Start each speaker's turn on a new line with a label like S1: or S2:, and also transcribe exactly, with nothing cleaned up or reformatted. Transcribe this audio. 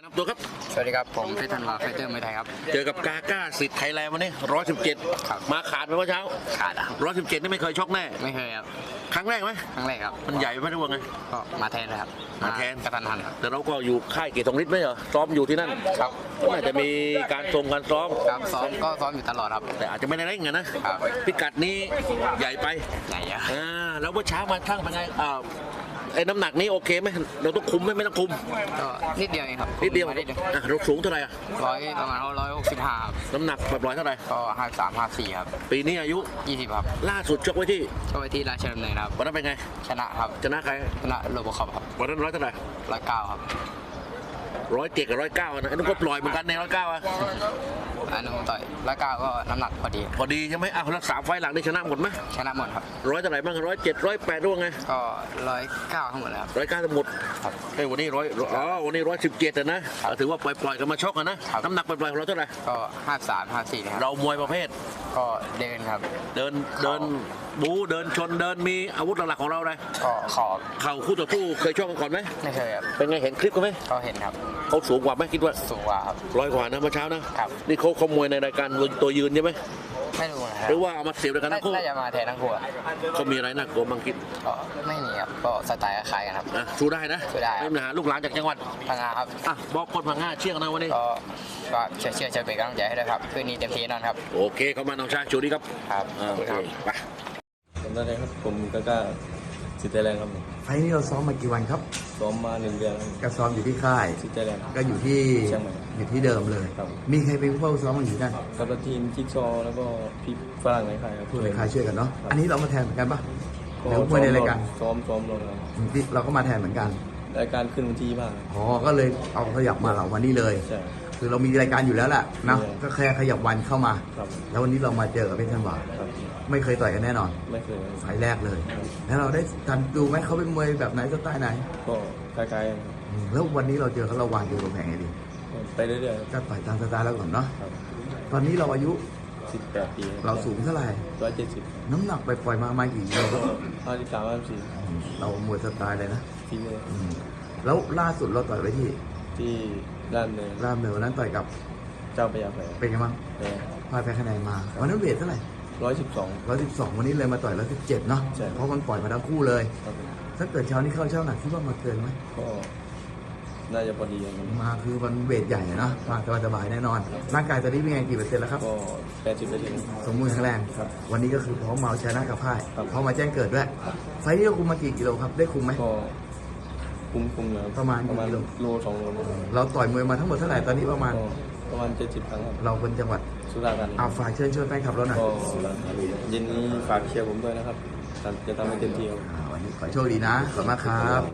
S1: ตัวครับ
S2: สวัสดีครับผมเพชรธันวาไฟเตอร์มวยไทยครับ
S1: เจอกับกาก้าสิทธิ์ไทยแลนด์วันนี้ร้อยสิบเจ็ดมาขาดไปเมื่อเช้า
S2: ขาดอ่ะ
S1: ร้อยสิบเจ็ดนี่ไม่เคยชกแน่
S2: ไม่เคยครับ
S1: ครั้งแรกไหม
S2: ครั้งแรกครับ
S1: มันใหญ่ไหมทุกวันไง
S2: ก็มาแทนนะครับ
S1: มาแทน
S2: กระทันหัน
S1: แต่เราก็อยู่ค่ายเกียรติทองฤทธิ์ไหมเหรอซ้อมอยู่ที่นั่น
S2: ครับ
S1: น่าจะมีการทรงการซ้อม
S2: ครับซ้อมก็ซ้อมอยู่ตลอดครับ
S1: แต่อาจจะไม่ได้เร่งนะครับพิกัดนี้ใหญ่ไป
S2: ใหญ่อะ
S1: อ่าแล้วเมื่อเช้ามาทั้งเป็นไงอ่าไอ้น้ำหนักนี้โอเคไหมเราต้องคุมไหมไม่ต้องคุม
S2: ก็นิดเดียวเองครับ
S1: นิดเดียว
S2: นิดเดียว
S1: เราสูงเท่าไหร่อะ
S2: ร้อยประมาณร้อยหกสิบห้า
S1: น้ำหนักแบบร้อยเท่าไหร่
S2: ก็ห้าสามห้าสี่ครับ
S1: ปีนี้อายุ
S2: ยี่สิบครับ
S1: ล่าสุดชกไว้ที่
S2: ชกไว้ที่ราชดำเนินครับ
S1: วันนั้นเป็นไง
S2: ชนะครับ
S1: ชนะใคร
S2: ชนะโรบคอปครับ
S1: วันนั้นร้อยเท่าไหร่
S2: ร้อยเก้าครับ
S1: ร้อยเจ็ดกับร้อยเก้านะไอ้นุ่นก็ปล่อยเหมือนกันในร้อยเก้าอะ
S2: อันนู้นต่อยร้อยเก้าก็น้ำหนักพอดี
S1: พอดีใช่ไหมอ้าวรักษาไฟหลังได้ชนะหมดไหม
S2: ชนะหมดครับ
S1: ร้อยเท่าไหร่บ้างร้อยเจ็ดร้อยแปดด้วยไง
S2: ก็ร้อยเก้าทั้งหมดเลยครับ
S1: ร้อยเก้าทั้งหมดไอ้วันนี้ร้อยอ๋อวันนี้ร้อยสิบเจ็ดนะถือว่าปล่อยปล่อยกันมาชกนะน้ำหนักปล่อยของเราเท่าไหร่
S2: ก็ห้าสามห้าสี่ครับ
S1: เรามวยประเภท
S2: ก็เดินครับ
S1: เดินเดินบูเดินชนเดินมีอาวุธหลักๆของเราเลย
S2: ก็ขอบ
S1: เข่าคู่ต่อสู้เคยชกกันก่อนไหม
S2: ไม่เคยครับ
S1: เป็นไงเห็นคลิปกันไหม
S2: ก็เห็นครับ
S1: เขาสูงกว่าไหมคิดว่า
S2: สูงกว่าครับ
S1: ร้อยกว่านะเมื่อเช้านะครับนี่เขาขโมยในรายการตัวยืนใช่ไหม
S2: ไม่รู้นะครับ
S1: หรือว่าเอามาเสียบด้วยกันทั้งคู่
S2: น่าจะมาแทนทั้งคู่
S1: เขามีอะไรน่ากลัวบ้างคิด
S2: ก็ไม่มีครับก็สไตล์คล้ายกันครับ
S1: สู้ได้นะ
S2: สู้ได้
S1: ไม่มีปัญหาลูกหลานจากจังหวัด
S2: พังงาครับ
S1: อ่ะบอกคนพังงาเชี่ยงนะวันนี้
S2: ก็ก็เชื่อเชื่อเชื่อเป็นกำลังใจให้ด้วยครับคืนนี้เต็มที่แน่นอนครับ
S1: โอเคเข้ามาน้องชายชูดีครับ
S2: ครับ
S1: โอเคไป
S3: ผมได้เลยครับผมก็กล้าสิทธิ์ไทยแลนด์ครับ
S4: ไฟนี้เราซ้อมมากี่วันครับ
S3: ซ้อมมาหนึ่งเดือน
S4: ก็ซ้อมอยู่ที่ค่าย
S3: สิทธิ์ไทยแลนด์
S4: ก็อยู่ที่
S3: เชียงใหม่
S4: อยู่ที่เดิมเลยมีใครเป็นผู้เฝ้าซ้อมมาอยู่นั่น
S3: กับทีมจิ๊กซอแล้วก็พี่ฝรั่งในค่ายครับ
S4: ผู้ในค่ายช่วยกันเนาะอันนี้เรามาแทนเหมือนกันปะหรือมวยในรายการ
S3: ซ้อมซ้อมลงครับ
S4: เราก็มาแทนเหมือนกัน
S3: รายการขึ้นวันที่บ้าง
S4: อ๋อก็เลยเอาขยับมาเหล่าวันนี้เลย
S3: ใช่
S4: คือเรามีรายการอยู่แล้วแหละนะก็แค่ขยับวันเข้ามาแล้ววันนี้เรามาเจอกับเพชรธันวาไม่เคยต่อยกันแน่นอน
S3: ไม่เคย
S4: ไฟแรกเลยแล้วเราได้ทันดูไหมเขาเป็นมวยแบบไหนสไตล์ไหน
S3: ก็คล้าย
S4: ๆแล้ววันนี้เราเจอเขาเราวางเกมแผงไงดี
S3: ไปเรื่อย
S4: ๆก็ต่อยตามสไตล์แล้วก่อนเนาะตอนนี้เราอายุ
S3: สิบแปดปี
S4: เราสูงเท่าไหร่
S3: ร้อยเจ็ดสิบ
S4: น้ำหนักไปปล่อยมามากี่กิโล
S3: ห้าสิบสามห้าสิบสี่
S4: เรามวยสไตล์เลยนะ
S3: ทีเลย
S4: แล้วล่าสุดเราต่อยไว้ที่
S3: ที่ด้านเนิน
S4: ด้านเนินนั้นต่อยกับ
S3: เจ้าพญาแฝด
S4: เป็นไงบ้างพ่ายแพ้คะแนนมาวันนั้นเวทเท่าไหร่
S3: ร้อยสิบสอง
S4: ร้อยสิบสองวันนี้เลยมาต่อยร้อยสิบเจ็ดเนาะเพราะมันปล่อยมาทั้งคู่เลยถ้าเกิดเช้านี้เข้าเช้าหนักคิดว่ามาเกินไหม
S3: ก็น่าจะพอดี
S4: มาคือมันเวทใหญ่เนาะมาสบายๆแน่นอนร่างกายตอนนี้เป็นไงกี่เปอร์เซ็นต์แล้วครับ
S3: ก็แปดสิบเปอร์เซ็นต์
S4: สมบูรณ์แข็งแรงวันนี้ก็คือพร้อมมาชนะกับพ่ายพร้อมมาแจ้งเกิดด้วยไฟนี้เราคุมมากี่กิโลครับได้คุมไหม
S3: ก็คุมคุมแล้ว
S4: ประมาณ
S3: ประมาณโลสองโล
S4: เราต่อยมวยมาทั้งหมดเท่าไหร่ตอนนี้ประมาณ
S3: ประมาณเจ็ดสิบครั้งครับ
S4: เราเป็นจังหวัด
S3: สุราษฎร์ธานี
S4: เอาฝากเชิญชวนแฟนคลับเราหน่อย
S3: ก็เย็นนี้ฝากเชียร์ผมด้วยนะครับจะทำให้เต็มที่ครับ
S4: วันนี้ขอโชคดีนะขอบคุณมากครับ